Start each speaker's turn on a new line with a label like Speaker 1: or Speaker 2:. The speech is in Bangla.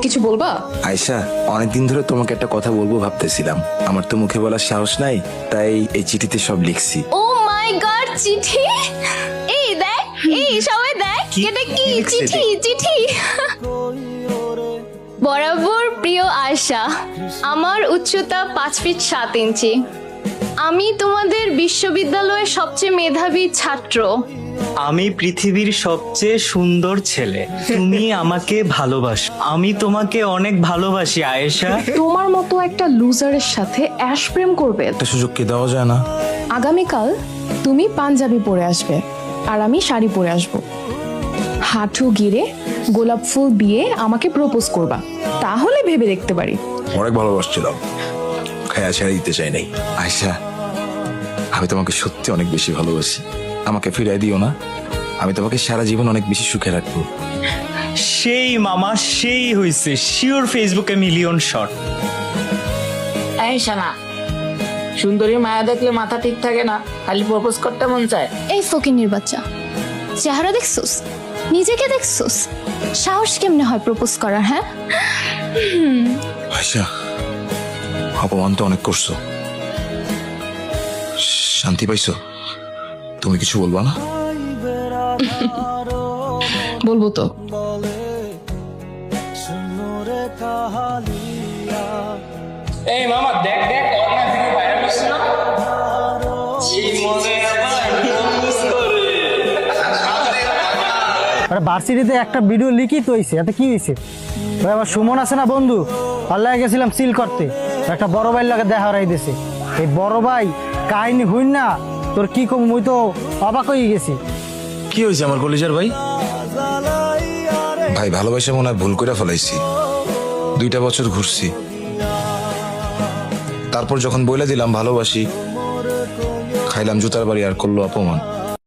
Speaker 1: কিছু বলবা?
Speaker 2: আয়শা, অনেকদিন ধরে তোমাকে একটা কথা বলবো ভাবতেছিলাম, আমার তো মুখে বলার সাহস নাই, তাই এই চিঠিতে সব লিখছি।
Speaker 3: ও মাই গড, চিঠি! এই দেখ, এই সবাই দেখ, এটা কি চিঠি? চিঠি বরাবর প্রিয় আয়শা, আমার উচ্চতা 5 ফিট 7 ইঞ্চি। আমি তোমাদের বিশ্ববিদ্যালয়ের সবচেয়ে মেধাবী ছাত্র।
Speaker 4: আমি পৃথিবীর সবচেয়ে সুন্দর ছেলে। তুমি আমাকে ভালোবাসো, আমি তোমাকে অনেক ভালোবাসি আয়েশা।
Speaker 1: তোমার মতো একটা লুজারের সাথে অ্যাশ প্রেম করবে?
Speaker 2: একটা সুযোগ কি দেওয়া যায় না?
Speaker 1: আগামীকাল তুমি পাঞ্জাবি পরে আসবে আর আমি শাড়ি পরে আসব। হাঁটু গিরে গোলাপ ফুল দিয়ে আমাকে প্রপোজ করবা, তাহলে ভেবে দেখতে পারি।
Speaker 2: অনেক ভালোবাসছিলাম, খায়া ছেড়ে দিতে চাই নাই। আয়শা, আমি তোমাকে সত্যি অনেক বেশি ভালোবাসি, আমাকে ফিরাই দিও না। আমি তোমাকে সারা জীবন অনেক বেশি সুখে রাখবো।
Speaker 4: সেই মামা, সেই হইছে শিওর ফেসবুকে মিলিয়ন শট।
Speaker 5: এই শানা, সুন্দরী মায়া দেখলে মাথা ঠিক থাকে না, খালি প্রপোজ করতে মন চায়।
Speaker 3: এই ফকিন্নির বাচ্চা, চেহারা দেখছোস? নিজেকে দেখছোস? সাহস কেমনে হয় প্রপোজ করার? হ্যাঁ,
Speaker 2: আয়শা, অপমান তো অনেক করছো, শান্তি পাইছো? তুমি কিছু বলবা না?
Speaker 1: বলবো তো।
Speaker 4: এই মামা দেখ দেখ, অনলাইন থেকে ভাইরাল হচ্ছে না?
Speaker 6: আরে ভার্সিটিতে একটা ভিডিও লিখিত হয়েছে, এতে কি হয়েছে? ওই আবার সুমন আছে না বন্ধু, আল্লাহ গেছিলাম সিল করতে, একটা বড় ভাইয়ের লাগে দেখা হারাই দিয়েছে। এই বড় ভাই কাহিনী হইন না তোর কি কম, মুই তো অবাক হয়ে গেছি।
Speaker 2: কি হয়েছে আমার কলিজার ভাই? ভাই ভালোবাসা মনে হয় ভুল করে ফেলাইছি, 2টা বছর ঘুরছি, তারপর যখন বলে দিলাম ভালোবাসি, খাইলাম জুতার বাড়ি আর করলো অপমান।